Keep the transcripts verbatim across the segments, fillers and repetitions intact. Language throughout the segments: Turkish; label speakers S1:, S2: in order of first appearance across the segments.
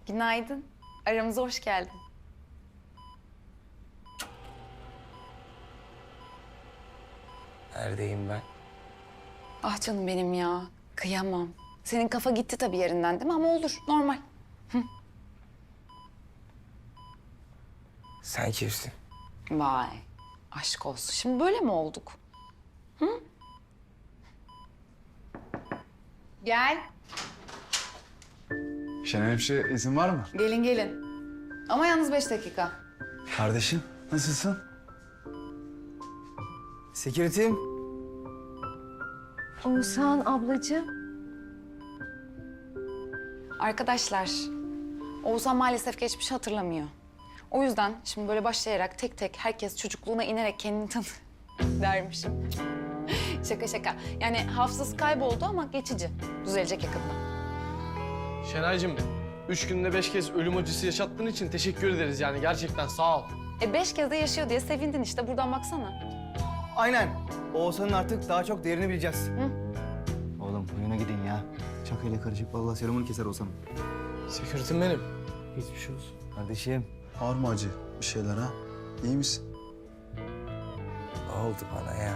S1: Günaydın. Aramıza hoş geldin.
S2: Neredeyim ben?
S1: Ah canım benim ya. Kıyamam. Senin kafa gitti tabii yerinden değil mi? Ama olur, normal.
S2: Sen kimsin?
S1: Vay, aşk olsun. Şimdi böyle mi olduk? Hı? Gel.
S3: Şener Hemşire izin var mı?
S1: Gelin gelin. Ama yalnız beş dakika.
S3: Kardeşim nasılsın?
S2: Security'm.
S4: Oğuzhan ablacığım.
S1: Arkadaşlar, Oğuzhan maalesef geçmişi hatırlamıyor. O yüzden şimdi böyle başlayarak tek tek herkes çocukluğuna inerek kendini tanı dermişim. Şaka şaka. Yani hafızası kayboldu ama geçici. Düzelecek yakında.
S5: Şenaycığım, üç günde beş kez ölüm acısı yaşattığın için teşekkür ederiz yani gerçekten sağ ol.
S1: E beş kez de yaşıyor diye sevindin işte. Buradan baksana.
S6: Aynen. Oğuzhan'ın artık daha çok değerini bileceğiz.
S1: Hı?
S6: Oğlum oyuna gidin ya. Çakayla karışık vallahi serumunu keser Oğuzhan'ım.
S5: Sekürtüm benim.
S6: Geçmiş olsun. Kardeşim.
S3: Var mı acı bir şeyler ha? İyi misin?
S2: Ne oldu bana ya?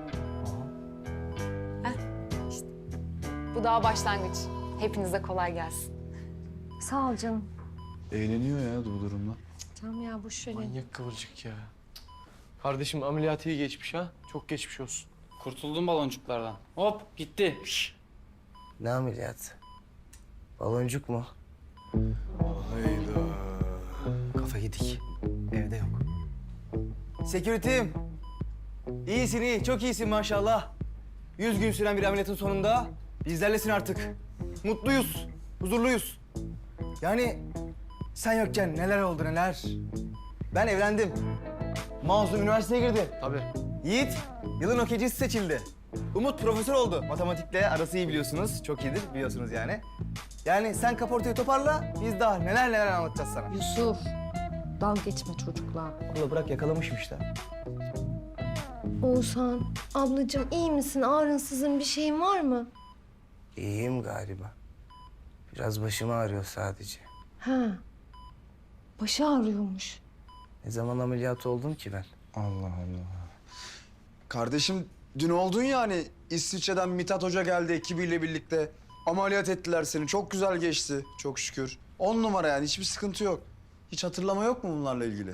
S1: Bu daha başlangıç. Hepinize kolay gelsin.
S4: Sağ ol canım.
S3: Eğleniyor ya bu durumla.
S4: Tamam ya boş verin.
S5: Manyak kıvırcık ya. Kardeşim ameliyatı iyi geçmiş ha. Çok geçmiş olsun.
S7: Kurtuldum baloncuklardan. Hop gitti. Şş.
S2: Ne ameliyat? Baloncuk mu?
S3: Hayda.
S6: Kafa yedik. Evde yok. Security'm. İyisin iyi. Çok iyisin maşallah. Yüz gün süren bir ameliyatın sonunda bizlerlesin artık. Mutluyuz. Huzurluyuz. Yani sen yokken neler oldu neler. Ben evlendim. Mazlum üniversiteye girdi.
S5: Tabii.
S6: Yiğit yılın okeycisi seçildi. Umut profesör oldu. Matematikle arası iyi biliyorsunuz. Çok iyidir biliyorsunuz yani. Yani sen kaportayı toparla, biz daha neler neler anlatacağız sana.
S4: Yusuf. Dalga geçme çocukla.
S6: Abla bırak yakalamışım işte.
S4: Oğuzhan ablacığım iyi misin? Ağrınsızın bir şeyin var mı?
S2: İyiyim galiba. Biraz başım ağrıyor sadece.
S4: Ha. Başı ağrıyormuş.
S2: Ne zaman ameliyat oldum ki ben?
S3: Allah Allah. Kardeşim dün oldun ya hani İsviçre'den Mithat Hoca geldi ekibiyle birlikte. Ameliyat ettiler seni. Çok güzel geçti çok şükür. On numara yani hiçbir sıkıntı yok. Hiç hatırlama yok mu bunlarla ilgili?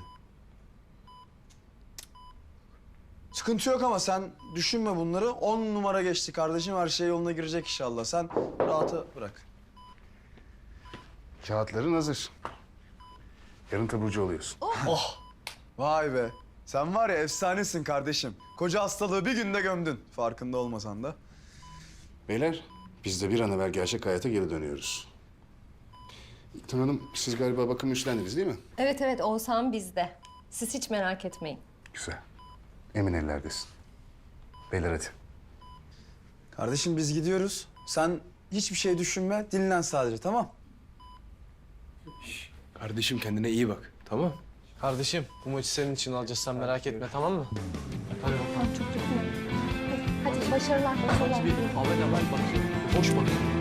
S3: Sıkıntı yok ama sen düşünme bunları. On numara geçti kardeşim. Her şey yoluna girecek inşallah. Sen rahatı bırak.
S8: Kağıtların hazır. Yarın taburcu oluyorsun.
S3: Vay be. Sen var ya efsanesin kardeşim. Koca hastalığı bir günde gömdün. Farkında olmasan da.
S8: Beyler, biz de bir an evvel gerçek hayata geri dönüyoruz. İlknur Hanım, siz galiba bakım üstlendiniz değil mi?
S4: Evet evet Oğuzhan bizde. Siz hiç merak etmeyin.
S8: Güzel. Emin ellerdesin. Beyler hadi.
S3: Kardeşim biz gidiyoruz. Sen hiçbir şey düşünme. Dinlen sadece tamam?
S8: Kardeşim kendine iyi bak, tamam?
S5: Kardeşim bu maçı senin için alacağız sen merak etme tamam mı? Hadi bakalım.
S4: Hadi başarılar. başarılar.
S5: Bir Ahmet Emel bak. Boş bak.